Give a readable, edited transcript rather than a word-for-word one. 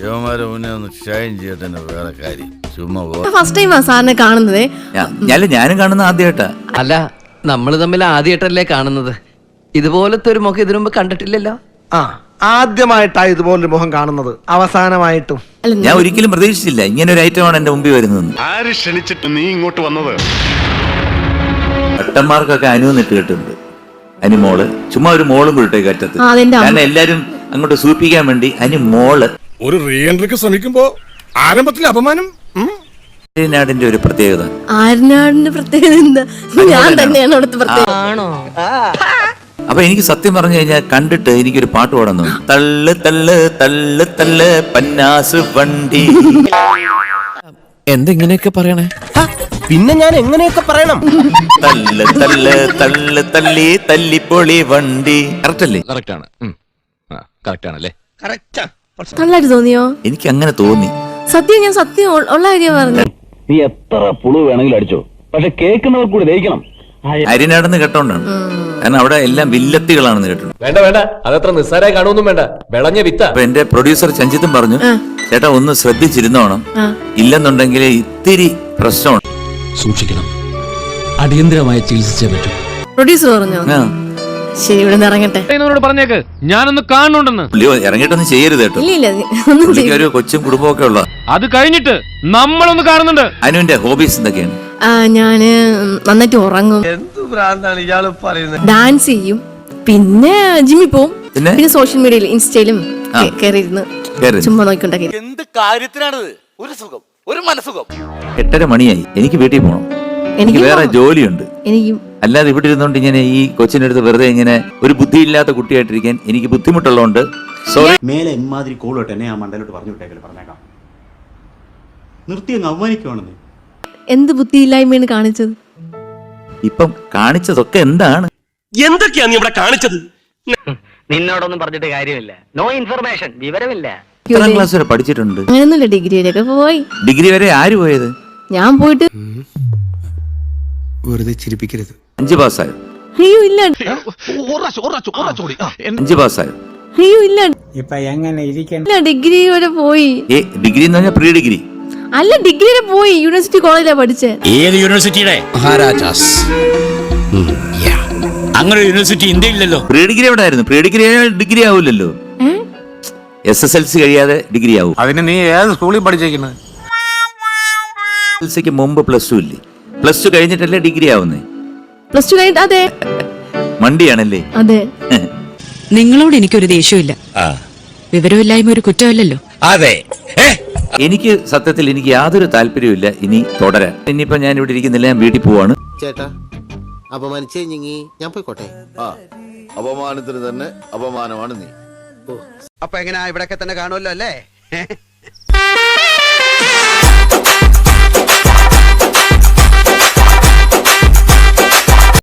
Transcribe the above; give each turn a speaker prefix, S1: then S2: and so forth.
S1: ശിവമാരെ മുന്നേ ഒന്ന് ഷൈൻ ചെയ്തിട്ട് വേറെ കാര്യം ചുമ്മാ
S2: ഫസ്റ്റ് ടൈം സാറിനെ കാണുന്നത്.
S3: ഞാനും കാണുന്ന ആദ്യമായിട്ടാ.
S4: അല്ല, നമ്മൾ തമ്മിൽ ആദ്യമായിട്ടല്ലേ കാണുന്നത്. ഇതുപോലത്തെ ഒരു മുഖം ഇതിനു മുമ്പ് കണ്ടിട്ടില്ലല്ലോ.
S5: ആദ്യമായിട്ടാ ഇതുപോലൊരു മുഖം കാണുന്നത്, അവസാനമായിട്ടും.
S3: ഞാൻ ഒരിക്കലും പ്രതീക്ഷിച്ചില്ല ഇങ്ങനെ ഒരു ഐറ്റമാണ് എന്റെ മുമ്പിൽ വരുന്നത്.
S6: ആര് ക്ഷണിച്ചിട്ട് നീ ഇങ്ങോട്ട് വന്നത്?
S3: ഭട്ടന്മാർക്കൊക്കെ അനുവന്നിട്ട് കേട്ടിട്ടുണ്ട്. അനുമോള് ചുമ്മാ ഒരു മോളും കൂടിട്ടേക്ക് അറ്റത്ത്. കാരണം എല്ലാരും അങ്ങോട്ട് സൂപ്പിക്കാൻ വേണ്ടി അനുമോള്.
S6: ഒരു റീ എൻട്രിക്ക് ശ്രമിക്കുമ്പോ ആരംഭത്തിൽ അപമാനം.
S3: ആര്യനാടിന്റെ ഒരു പ്രത്യേകത.
S2: ആര്യനാടിന്റെ പ്രത്യേകത എന്താ? ഞാൻ തന്നെയാണ് അവിടുത്തെ പ്രത്യേകത.
S3: അപ്പൊ എനിക്ക് സത്യം പറഞ്ഞു കഴിഞ്ഞാൽ കണ്ടിട്ട് എനിക്കൊരു പാട്ട് പാടാൻ തോന്നി. തള്ളു തള്ളു തള്ളു തള്ളു പന്നാസ് വണ്ടി.
S4: എന്തെങ്ങനെയൊക്കെ പറയണേ?
S5: പിന്നെ ഞാൻ എങ്ങനെയൊക്കെ പറയണം?
S3: തള്ളു തള്ളു തള്ളു തള്ളി തല്ലിപ്പൊളി വണ്ടി. കറക്റ്റ് അല്ലേ?
S4: കറക്റ്റ് ആണ്. കറക്റ്റ് ആണല്ലേ?
S2: നന്നായിട്ട് തോന്നിയോ?
S3: എനിക്ക് അങ്ങനെ തോന്നി.
S2: സത്യം, ഞാൻ സത്യം ഉള്ള കാര്യം പറഞ്ഞു.
S7: നീ എത്ര പുളു വേണമെങ്കിലും അടിച്ചോ, പക്ഷെ കേൾക്കുന്നവർ കൂടി ദഹിക്കണം.
S3: അരിനാടെന്ന് കേട്ടോണ്ടാണ്. കാരണം അവിടെ എല്ലാം വില്ലത്തികളാണെന്ന് കേട്ടു.
S8: വേണ്ട വേണ്ട, അതത്ര നിസ്സാരായി കാണുമൊന്നും വേണ്ട, വിളഞ്ഞ വിത്ത.
S3: അപ്പൊ എന്റെ പ്രൊഡ്യൂസർ ചഞ്ചിത്തും പറഞ്ഞു, ചേട്ടാ ഒന്ന് ശ്രദ്ധിച്ചിരുന്നോണം, ഇല്ലെന്നുണ്ടെങ്കിൽ ഇത്തിരി പ്രശ്നമാണ്,
S9: സൂക്ഷിക്കണം, അടിയന്തരമായി ചികിത്സിച്ചേ പറ്റൂ.
S2: പ്രൊഡ്യൂസർ പറഞ്ഞു. ശരി, ഇവിടെ നിന്ന് ഇറങ്ങട്ടെ.
S8: പറഞ്ഞേക്ക്, ഞാനൊന്ന് കാണുന്നുണ്ടെന്ന്.
S3: ഇറങ്ങിയിട്ടൊന്നും ചെയ്യരുത് കേട്ടോ.
S2: ഇല്ല,
S3: ഒരു കൊച്ചും കുടുംബമൊക്കെ ഉള്ള.
S8: അത് കഴിഞ്ഞിട്ട് നമ്മളൊന്ന് കാണുന്നുണ്ട്.
S3: അനുവിന്റെ ഹോബീസ് എന്തൊക്കെയാണ്?
S2: ഞാന് നന്നായിട്ട് ഉറങ്ങും, ഡാൻസ് ചെയ്യും, പിന്നെ ജിമ്മിൽ പോവും, പിന്നെ സോഷ്യൽ മീഡിയയിൽ ഇൻസ്റ്റയിലും കയറിയിരുന്ന് ചുമ്മാ നോക്കിക്കൊണ്ടൊക്കെ.
S1: എന്ത് കാര്യത്തിനാണിത്? ഒരു സുഖം, ഒരു മനസുഖം.
S3: 8:30 മണിയായി, എനിക്ക് വീട്ടിൽ പോകണം. എനിക്ക് വേറെ ജോലിയുണ്ട്.
S2: എനിക്കും.
S3: അല്ലാതെ ഇവിടെ ഇരുന്നോണ്ട് ഇങ്ങനെ ഈ കൊച്ചിന്റെ അടുത്ത് വെറുതെ ഇങ്ങനെ ഒരു ബുദ്ധിയില്ലാത്ത കുട്ടിയായിട്ടിരിക്കാൻ എനിക്ക് ബുദ്ധിമുട്ടുള്ളതുകൊണ്ട് സോറി.
S10: മേലെ ഇമാതിരി കോളോട്ട് എന്നെ ആ മണ്ടലോട്ട് പറഞ്ഞു വിട്ടേക്കല്, പറഞ്ഞേക്കാം. നിർത്തി അങ്ങ് അവമാനിക്കുവാണെന്ന്.
S2: എന്ത് ബുദ്ധിയില്ലായ്മയാണ് കാണിച്ചത്?
S3: ഇപ്പം കാണിച്ചതൊക്കെ എന്താണ്?
S8: എന്തൊക്കെയാ നീ ഇവിടെ കാണിച്ചത്?
S4: നിന്നോടൊന്നും പറഞ്ഞിട്ട് കാര്യമില്ല. നോ ഇൻഫർമേഷൻ, വിവരമില്ല.
S3: എത്രാം ക്ലാസ് വരെ പഠിച്ചിട്ടുണ്ട്?
S2: അങ്ങനെയൊന്നുമില്ല, ഡിഗ്രി വരെയൊക്കെ പോയി.
S3: ഡിഗ്രി വരെ ആര് പോയത്?
S2: ഞാൻ പോയിട്ട്
S5: വെറുതെ ചിരിപ്പിക്കരുത്.
S3: 5 പാസ്സായോ?
S2: അയ്യോ ഇല്ല.
S3: 5 പാസ്സായോ?
S2: അയ്യോ ഇല്ല.
S5: ഇപ്പൊ എങ്ങനെ ഇരിക്കണം?
S2: ഇല്ല, ഡിഗ്രി വരെ പോയി.
S3: ഡിഗ്രി എന്ന് പറഞ്ഞാൽ പ്രീ ഡിഗ്രി
S2: അല്ല, ഡിഗ്രി വരെ പോയി. യൂണിവേഴ്സിറ്റി കോളേജിലാ പഠിച്ചേ.
S9: ഏത് യൂണിവേഴ്സിറ്റിയുടെ? മഹാരാജാസ്. അങ്ങനെ യൂണിവേഴ്സിറ്റി ഇന്ത്യയില്ലല്ലോ.
S3: പ്രീ ഡിഗ്രി എവിടെ ആയിരുന്നു? പ്രീ ഡിഗ്രി ഡിഗ്രി ആവൂലല്ലോ. SSLC കഴിയാതെ ഡിഗ്രി ആവും.
S1: അതിന് നീ ഏത് സ്കൂളിൽ പഠിച്ചേക്കുന്നത്?
S3: SSLCക്ക് മുമ്പ് +2 ഇല്ലേ? +2 കഴിഞ്ഞിട്ടല്ലേ ഡിഗ്രി ആവുന്നേ?
S2: +2 കഴിഞ്ഞിട്ട്. അതെ,
S3: മണ്ടിയാണല്ലേ?
S2: അതെ.
S11: നിങ്ങളോട് എനിക്കൊരു ദേഷ്യമില്ല. വിവരമില്ലായ്മ ഒരു കുറ്റമല്ലല്ലോ.
S9: അതെ.
S3: എനിക്ക് സത്യത്തിൽ എനിക്ക് യാതൊരു താല്പര്യമില്ല ഇനി തുടരാൻ. ഇനിയിപ്പോ ഞാൻ ഇവിടെ ഇരിക്കുന്നില്ല, ഞാൻ വീട്ടിൽ പോവാണ്.
S12: ചേട്ടാ, അപമാനിച്ചേ ഞാൻ പോയിക്കോട്ടെ.
S1: അപമാനത്തിന് തന്നെ അപമാനമാണ് നീ.
S12: അപ്പൊ എങ്ങനെയാ, ഇവിടെയൊക്കെ തന്നെ കാണുമല്ലോ അല്ലേ?